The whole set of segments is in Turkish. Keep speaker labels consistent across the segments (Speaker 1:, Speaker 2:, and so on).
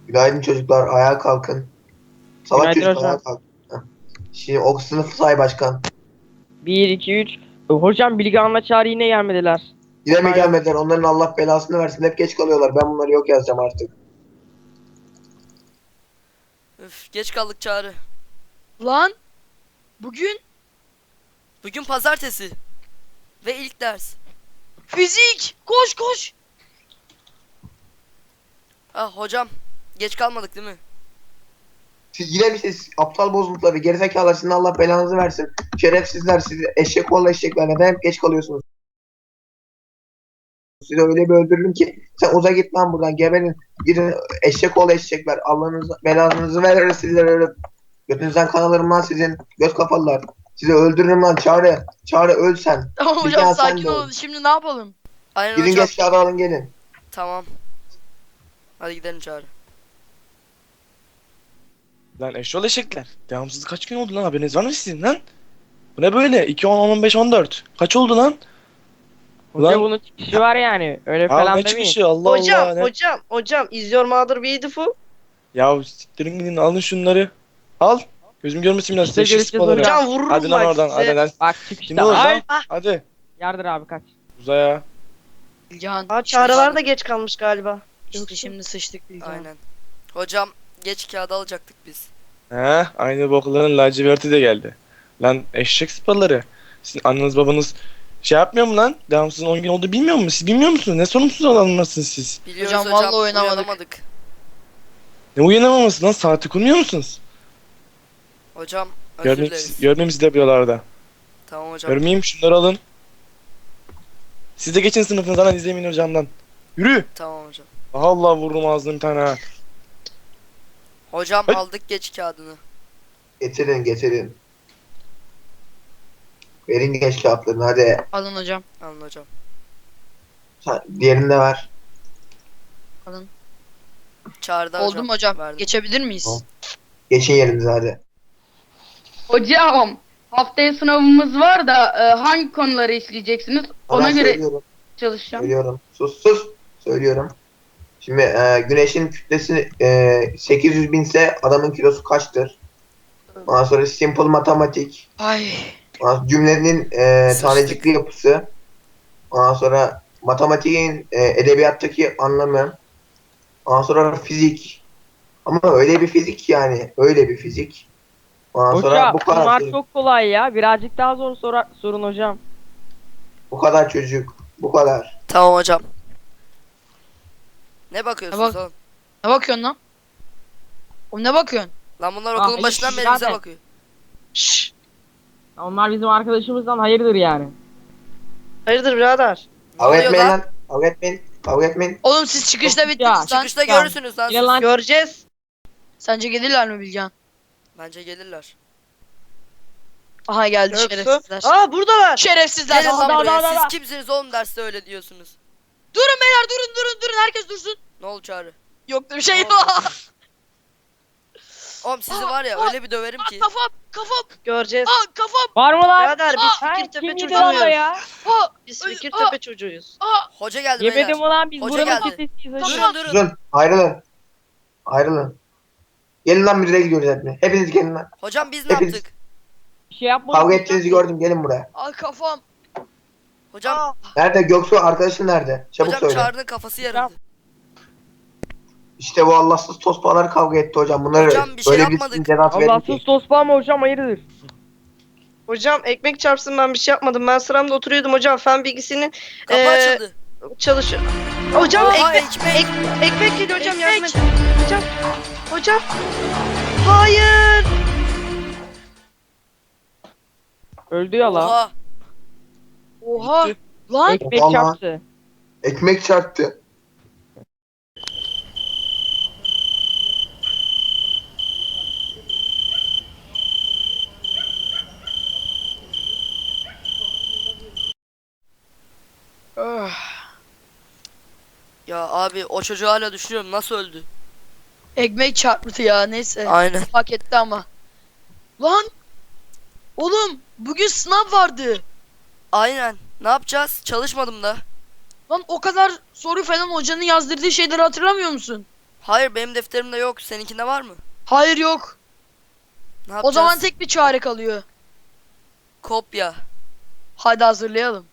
Speaker 1: Günaydın çocuklar, ayağa kalkın. Salak
Speaker 2: Günaydın
Speaker 1: çocuk ayağa
Speaker 2: hocam.
Speaker 1: kalk. Heh. Şimdi o sınıfı say başkan.
Speaker 2: 1, 2, 3. Hocam Bilgehan'la Çağrı yine gelmediler.
Speaker 1: Yine mi
Speaker 2: Onlar yok.
Speaker 1: gelmediler? Onların Allah belasını versin. Hep geç kalıyorlar. Ben bunları yok yazacağım artık.
Speaker 3: Üf, geç kaldık Çağrı.
Speaker 4: Lan bugün
Speaker 3: Bugün pazartesi. Ve ilk ders.
Speaker 4: fizik. Koş koş.
Speaker 3: Ha hocam. Geç kalmadık değil mi?
Speaker 1: Siz yine mi siz aptal bozuntuları, gerizekalılar, sizin Allah belanızı versin. Şerefsizler, siz eşek oğlu eşekler. Neden hep geç kalıyorsunuz? Sizi öyle bir öldürürüm ki sen uza git lan buradan, geberin. Gidin eşek oğlu eşekler. Allah'ınız belanızı verir sizlere öyle. Götünüzden kan alırım lan sizin göz kafalılar. Sizi öldürürüm lan Çağrı. Çağrı öl sen.
Speaker 4: Tamam
Speaker 1: Bir
Speaker 4: hocam
Speaker 1: daha sen
Speaker 4: sakin
Speaker 1: de
Speaker 4: olun.
Speaker 1: ol.
Speaker 4: Şimdi ne yapalım?
Speaker 3: Aynen
Speaker 1: Gidin
Speaker 3: hocam.
Speaker 1: geç kağıdı alın gelin.
Speaker 3: Tamam. Hadi gidelim Çağrı.
Speaker 5: Lan eşyol eşekler. Devamsız kaç gün oldu lan, haberiniz var mı sizin lan? Bu ne böyle? 2, 10, 15, 14. Kaç oldu lan?
Speaker 2: Hoca
Speaker 5: Ulan-
Speaker 2: bunun çıkışı var yani. Öyle
Speaker 5: Ya
Speaker 2: falan
Speaker 5: ne
Speaker 2: demeyin.
Speaker 5: çıkışı, Allah
Speaker 6: Hocam,
Speaker 5: Allah. Ne?
Speaker 6: hocam, is your mother beautiful?
Speaker 5: Ya siktirin gidin, alın şunları. Al. Gözüm görmesin biraz.
Speaker 2: İşte
Speaker 5: Eşek
Speaker 2: görüşeceğiz
Speaker 5: sıpaları.
Speaker 2: hocam.
Speaker 6: Hocam vururum
Speaker 5: Hadi lan
Speaker 6: bak
Speaker 5: oradan,
Speaker 6: size.
Speaker 5: hadi lan.
Speaker 2: Bak
Speaker 5: Kim
Speaker 2: çıkışta.
Speaker 5: olur
Speaker 2: Ay.
Speaker 5: lan? Hadi.
Speaker 2: Yardır abi kaç.
Speaker 5: Uza ya.
Speaker 4: Bilgehan.
Speaker 6: Aa, çağrılar da geç kalmış galiba.
Speaker 4: İşte şimdi sıçtık Bilgehan.
Speaker 3: Aynen. Hocam geç kağıdı alacaktık biz.
Speaker 5: He, aynı bokların laciverti de geldi. Lan eşek sıpaları. Sizin anneniz babanız şey yapmıyor mu lan? Devamsızın 10 gün oldu bilmiyor musunuz? Siz bilmiyor musunuz? Ne sorumsuz adamlarsınız siz?
Speaker 3: Biliyoruz
Speaker 4: Hocam,
Speaker 3: hocam.
Speaker 4: vallahi oynamadık.
Speaker 3: Uyanamadık.
Speaker 5: Ne uyanamaması lan? Saati kurmuyor musunuz?
Speaker 3: Hocam özür dileriz.
Speaker 5: Görmeyeyim sizi de buralarda.
Speaker 3: Tamam hocam.
Speaker 5: Görmeyeyim, şunları alın. Siz de geçin sınıfınızdan, izleyin hocamdan. Yürü.
Speaker 3: Tamam hocam.
Speaker 5: Allah vururum ağzını bir tane ha.
Speaker 3: Hocam
Speaker 5: Hey.
Speaker 3: aldık geç kağıdını.
Speaker 1: Getirin getirin. Verin geç kağıtlarını hadi.
Speaker 4: Alın hocam.
Speaker 3: Alın hocam.
Speaker 1: Sen, diğerini de ver.
Speaker 4: Alın.
Speaker 3: Çağrı'da
Speaker 4: Oldu mu hocam?
Speaker 3: Verdim.
Speaker 4: Geçebilir miyiz?
Speaker 1: Tamam. Geçin yerinize hadi.
Speaker 7: Hocam haftaya sınavımız var da hangi konuları işleyeceksiniz? Ona
Speaker 1: Ben
Speaker 7: göre
Speaker 1: söylüyorum.
Speaker 7: çalışacağım.
Speaker 1: Söylüyorum. Sus. Söylüyorum. Şimdi güneşin kütlesi 800 binse adamın kilosu kaçtır? Ondan sonra simple matematik.
Speaker 4: Ay.
Speaker 1: Ondan sonra cümlenin
Speaker 3: Sıçtık.
Speaker 1: tanecikli yapısı. Ondan sonra matematiğin edebiyattaki anlamı. Ondan sonra fizik. Ama öyle bir fizik yani. Öyle bir fizik. Ondan sonra
Speaker 2: Hocam
Speaker 1: bu kadar
Speaker 2: bunlar
Speaker 1: çocuk.
Speaker 2: çok kolay ya. Birazcık daha zor sorun hocam.
Speaker 1: Bu kadar çocuk. Bu kadar.
Speaker 3: Tamam hocam. Ne bakıyorsunuz
Speaker 4: Bak-
Speaker 3: oğlum?
Speaker 4: Ne bakıyorsun lan? O ne bakıyorsun?
Speaker 3: Lan bunlar
Speaker 2: Ah,
Speaker 3: okulun
Speaker 2: hayır,
Speaker 3: başından beri
Speaker 2: birader.
Speaker 3: bize bakıyor.
Speaker 4: Şşş.
Speaker 2: Onlar bizim arkadaşımızdan hayırdır yani.
Speaker 6: Hayırdır birader?
Speaker 3: Ne
Speaker 1: Kavga
Speaker 3: oluyor
Speaker 1: etmeyin
Speaker 3: lan?
Speaker 1: lan. Kavga etmeyin. Kavga etmeyin.
Speaker 4: Oğlum siz çıkışta
Speaker 2: Ya,
Speaker 4: bittiniz lan.
Speaker 3: Çıkışta
Speaker 2: Ya.
Speaker 3: görürsünüz lan
Speaker 2: Gel
Speaker 3: siz.
Speaker 2: lan.
Speaker 6: Göreceğiz.
Speaker 4: Sence gelirler mi Bilgehan?
Speaker 3: Bence gelirler.
Speaker 4: Aha geldi
Speaker 6: Göksu.
Speaker 4: şerefsizler.
Speaker 6: Aa buradalar.
Speaker 4: Şerefsizler.
Speaker 3: Gelin lan
Speaker 2: da,
Speaker 3: buraya.
Speaker 2: da,
Speaker 3: Siz
Speaker 2: da.
Speaker 3: kimsiniz oğlum derste öyle diyorsunuz.
Speaker 4: Durun beyler durun. Herkes dursun.
Speaker 3: Ne oldu Çağrı?
Speaker 4: Yoktu bir şey.
Speaker 3: Oğlum sizi var ya öyle bir döverim ki.
Speaker 4: Kafam.
Speaker 6: Göreceğiz.
Speaker 4: Kafam.
Speaker 2: Var mı lan?
Speaker 6: Birader biz
Speaker 2: Ha,
Speaker 6: Fikirtepe
Speaker 2: kim yedi lan
Speaker 6: çocuğuyuz.
Speaker 2: ya?
Speaker 4: Ha.
Speaker 6: Biz Fikirtepe çocuğuyuz.
Speaker 3: Hoca geldi
Speaker 2: Yemedim
Speaker 3: beyler.
Speaker 2: ulan biz
Speaker 3: Hoca
Speaker 2: buranın
Speaker 3: geldi.
Speaker 2: çetesiyiz hocam.
Speaker 3: Durun durun.
Speaker 1: Susun. Ayrılın. Ayrılın. Gelin lan müdüre gidiyoruz hepimiz. Hepiniz gelin lan.
Speaker 3: Hocam biz ne
Speaker 1: Hepiniz-
Speaker 3: yaptık?
Speaker 2: Bir şey yapmadık.
Speaker 1: Kavga ettiğinizi gördüm. Gelin buraya.
Speaker 4: Ay kafam.
Speaker 3: Hocam
Speaker 4: Aa.
Speaker 1: Nerede? Göksu arkadaşın nerede? Çabuk
Speaker 3: hocam
Speaker 1: söyle.
Speaker 3: Çağrı'nın kafası yarıldı.
Speaker 1: İşte bu Allahsız tospalar kavga etti hocam. Bunları
Speaker 3: Hocam, bir şey
Speaker 1: öyle
Speaker 3: yapmadık.
Speaker 1: bir cezası verin
Speaker 2: Allahsız
Speaker 1: ki.
Speaker 2: tospa mı hocam hayırdır?
Speaker 6: Hocam ekmek çarpsın ben bir şey yapmadım. Ben sıramda oturuyordum hocam. Fen bilgisinin
Speaker 3: Kapı açıldı.
Speaker 6: çalışıyor. Hocam
Speaker 3: Oha,
Speaker 6: ekmek. Ekmek geliyor hocam yardım edin. Hocam. Hayır.
Speaker 2: Öldü ya lan.
Speaker 3: Oha.
Speaker 4: Oha.
Speaker 5: Gitti.
Speaker 4: Lan.
Speaker 2: Ekmek
Speaker 1: Vallahi.
Speaker 2: çarptı.
Speaker 1: Ekmek çarptı.
Speaker 4: Öh.
Speaker 3: Ya abi o çocuğu hala düşünüyorum nasıl öldü?
Speaker 4: Ekmek çarptı ya neyse.
Speaker 3: Aynen.
Speaker 4: Hak etti ama. Lan. Oğlum bugün sınav vardı.
Speaker 3: Aynen. Ne yapacağız? Çalışmadım da.
Speaker 4: Lan o kadar soru falan hocanın yazdırdığı şeyleri hatırlamıyor musun?
Speaker 3: Hayır benim defterimde yok. Seninkinde var mı?
Speaker 4: Hayır yok.
Speaker 3: Ne
Speaker 4: O
Speaker 3: yapacağız?
Speaker 4: zaman tek bir çare kalıyor.
Speaker 3: Kopya.
Speaker 4: Hadi hazırlayalım.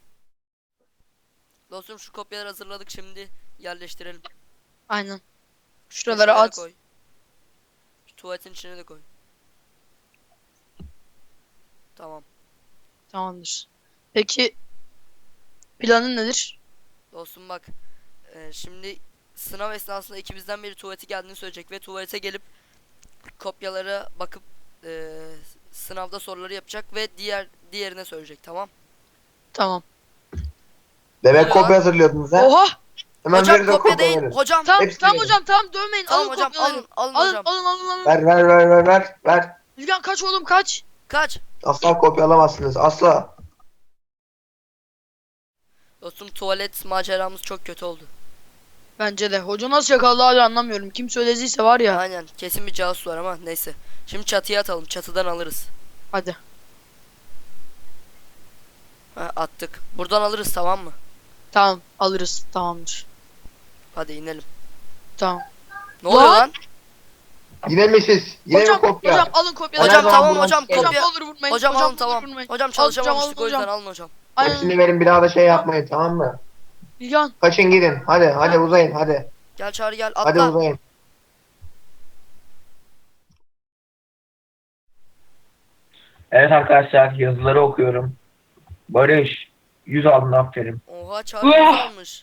Speaker 3: Dostum şu kopyaları hazırladık, şimdi yerleştirelim.
Speaker 4: Aynen. Şuralara
Speaker 3: Köşelere
Speaker 4: at.
Speaker 3: koy. Şu tuvaletin içine de koy. Tamam.
Speaker 4: Tamamdır. Peki planın nedir?
Speaker 3: Dostum bak. Şimdi sınav esnasında ikimizden biri tuvalete geldiğini söyleyecek ve tuvalete gelip kopyalara bakıp sınavda soruları yapacak ve diğerine söyleyecek, tamam?
Speaker 4: Tamam.
Speaker 1: Demek
Speaker 3: Oluyor
Speaker 1: kopya
Speaker 3: lan.
Speaker 1: hazırlıyordunuz ha?
Speaker 4: Oha!
Speaker 1: Hemen
Speaker 3: Hocam
Speaker 1: verin de
Speaker 3: kopya değil.
Speaker 1: verin.
Speaker 3: Hocam.
Speaker 4: Tamam
Speaker 1: Hepsini
Speaker 4: tamam
Speaker 1: verin.
Speaker 4: hocam tamam dövmeyin.
Speaker 3: Tamam
Speaker 4: alın
Speaker 3: hocam,
Speaker 4: kopyaları.
Speaker 3: alın
Speaker 4: Alın
Speaker 3: hocam.
Speaker 4: alın.
Speaker 1: Ver. Ver.
Speaker 4: Bilgen kaç oğlum kaç?
Speaker 1: Asla kopya alamazsınız. Asla.
Speaker 3: Dostum tuvalet maceramız çok kötü oldu.
Speaker 4: Bence de. Hoca nasıl yakaladı hala anlamıyorum. Kim söylediyse var ya.
Speaker 3: Aynen, kesin bir casus var ama neyse. Şimdi çatıya atalım, çatıdan alırız.
Speaker 4: Hadi.
Speaker 3: Ha, attık. Buradan alırız, tamam mı?
Speaker 4: Tamam alırız. Tamamdır.
Speaker 3: Hadi inelim.
Speaker 4: Tamam.
Speaker 3: Ne oluyor lan?
Speaker 1: Yine mi siz? Yine
Speaker 4: Hocam
Speaker 1: mi kopya?
Speaker 4: hocam alın kopyaları.
Speaker 3: Hocam
Speaker 1: zaman
Speaker 3: tamam
Speaker 1: buradan
Speaker 3: hocam,
Speaker 1: çıkalım.
Speaker 3: kopya.
Speaker 4: Hocam olur vurmayın.
Speaker 3: Hocam alın
Speaker 4: olur
Speaker 3: tamam.
Speaker 4: vurmayın.
Speaker 3: Hocam
Speaker 4: Alın,
Speaker 3: çalışamamıştık, o
Speaker 4: hocam.
Speaker 3: yüzden alın hocam.
Speaker 4: Aynen.
Speaker 1: Hepsini verin, bir daha da şey yapmayın, tamam mı?
Speaker 4: Bilgen.
Speaker 1: Kaçın gidin. Hadi uzayın hadi.
Speaker 3: Gel Çağrı gel,
Speaker 1: Hadi
Speaker 3: atla.
Speaker 1: uzayın. Evet arkadaşlar, yazıları okuyorum. Barış 100 aldın, aferin.
Speaker 3: Oha Çağrı güzel almış.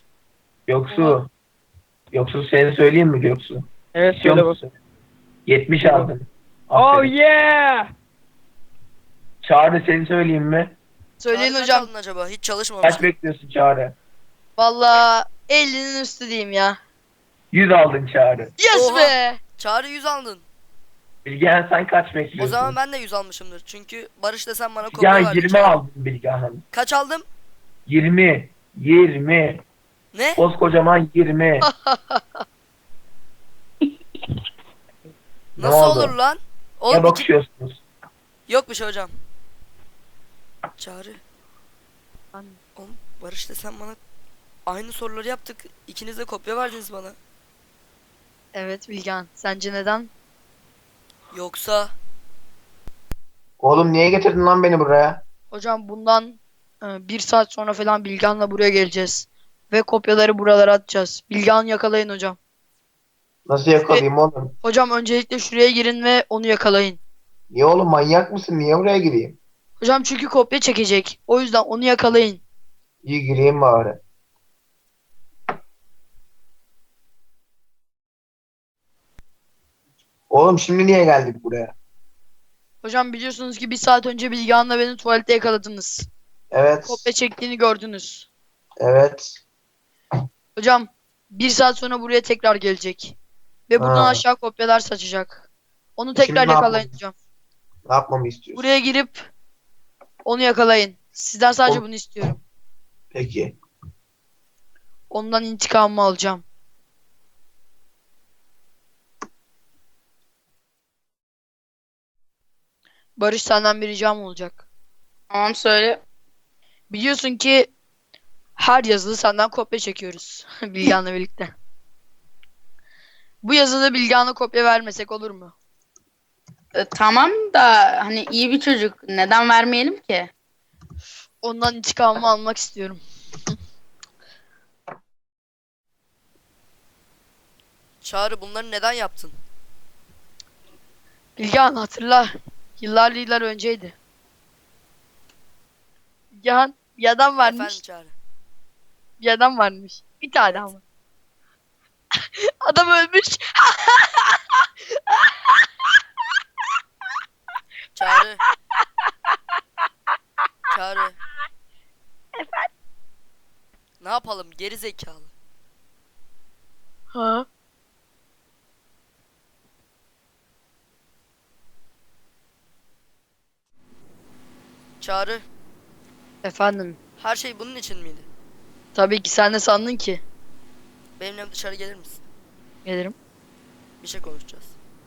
Speaker 1: Göksu seni söyleyeyim mi Göksu?
Speaker 2: Evet
Speaker 1: İstiyor
Speaker 2: söyle bak.
Speaker 1: musun? 70 aldın.
Speaker 2: Oh
Speaker 1: Aferin.
Speaker 2: yeah.
Speaker 1: Çağrı seni söyleyeyim mi?
Speaker 4: Söyleyin
Speaker 3: Çağrı kaç
Speaker 4: hocam.
Speaker 3: aldın acaba? Hiç
Speaker 1: Kaç
Speaker 3: çalışmamıştık.
Speaker 1: bekliyorsun Çağrı?
Speaker 4: Valla 50'nin üstü diyeyim ya.
Speaker 1: 100 aldın Çağrı.
Speaker 4: Yes
Speaker 3: Oha.
Speaker 4: be.
Speaker 3: Çağrı 100 aldın.
Speaker 1: Bilgehan sen kaç bekliyorsun?
Speaker 3: O zaman ben de 100 almışımdır. Çünkü Barış desem bana kopya
Speaker 1: Bilgehan
Speaker 3: verdi.
Speaker 1: 20
Speaker 3: Çağrı.
Speaker 1: aldın Bilgehan.
Speaker 3: Kaç aldım?
Speaker 1: 20.
Speaker 3: Ne?
Speaker 1: Koskocaman 20. Ne
Speaker 3: Nasıl
Speaker 1: oldu?
Speaker 3: olur lan?
Speaker 1: Ne
Speaker 3: Oğlum iki...
Speaker 1: bakışıyorsunuz?
Speaker 3: Yok bir şey hocam. Çağrı.
Speaker 4: Ben-
Speaker 3: Oğlum Barış desem bana aynı soruları yaptık. İkiniz de kopya verdiniz bana.
Speaker 4: Evet Bilgen. Sence neden?
Speaker 3: Yoksa
Speaker 1: Oğlum niye getirdin lan beni buraya?
Speaker 4: Hocam bundan 1 saat sonra falan Bilgen'le buraya geleceğiz. Ve kopyaları buralara atacağız. Bilgen'i yakalayın hocam.
Speaker 1: Nasıl yakalayayım oğlum?
Speaker 4: Hocam öncelikle şuraya girin ve onu yakalayın.
Speaker 1: Niye oğlum, manyak mısın? Niye buraya gireyim?
Speaker 4: Hocam çünkü kopya çekecek. O yüzden onu yakalayın.
Speaker 1: İyi gireyim bari. Oğlum şimdi niye geldik buraya?
Speaker 4: Hocam biliyorsunuz ki 1 saat önce Bilgehan'la beni tuvalette yakaladınız.
Speaker 1: Evet.
Speaker 4: Kopya çektiğini gördünüz.
Speaker 1: Evet.
Speaker 4: Hocam 1 saat sonra buraya tekrar gelecek. Ve buradan
Speaker 1: Ha.
Speaker 4: aşağı kopyalar saçacak. Onu
Speaker 1: Şimdi
Speaker 4: tekrar
Speaker 1: ne
Speaker 4: yakalayın
Speaker 1: yapalım?
Speaker 4: hocam.
Speaker 1: Ne yapmamı istiyorsun?
Speaker 4: Buraya girip onu yakalayın. Sizden sadece
Speaker 1: O-
Speaker 4: bunu istiyorum.
Speaker 1: Peki.
Speaker 4: Ondan intikamımı alacağım. Barış senden bir ricam olacak.
Speaker 7: Tamam söyle.
Speaker 4: Biliyorsun ki her yazılı senden kopya çekiyoruz. Bilgehan'la birlikte. Bu yazıda Bilgehan'a kopya vermesek olur mu?
Speaker 7: Tamam da hani iyi bir çocuk. Neden vermeyelim ki?
Speaker 4: Ondan intikamımı almak istiyorum.
Speaker 3: Çağrı bunları neden yaptın?
Speaker 4: Bilgehan hatırla. Yıllar önceydi. Bilgehan bir adam varmış.
Speaker 3: Efendim Çağrı.
Speaker 4: Bir adam varmış. Bir tane ama. Adam ölmüş.
Speaker 3: Çağrı. Çağrı.
Speaker 4: Efendim?
Speaker 3: Ne yapalım geri zekalı?
Speaker 4: Ha?
Speaker 3: Çağrı.
Speaker 4: Efendim.
Speaker 3: Her şey bunun için miydi?
Speaker 4: Tabii ki sen de sandın ki.
Speaker 3: Benimle dışarı gelir misin?
Speaker 4: Gelirim.
Speaker 3: Bir şey konuşacağız.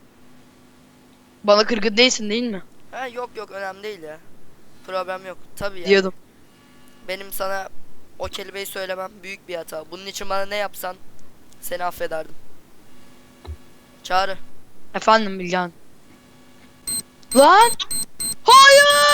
Speaker 4: Bana kırgın değilsin değil mi?
Speaker 3: Ha yok önemli değil ya. Problem yok. Tabii ya.
Speaker 4: Diyordum.
Speaker 3: Benim sana o kelimeyi söylemem büyük bir hata. Bunun için bana ne yapsan seni affederdim. Çağrı.
Speaker 4: Efendim Bilgehan. Lan! Hayır!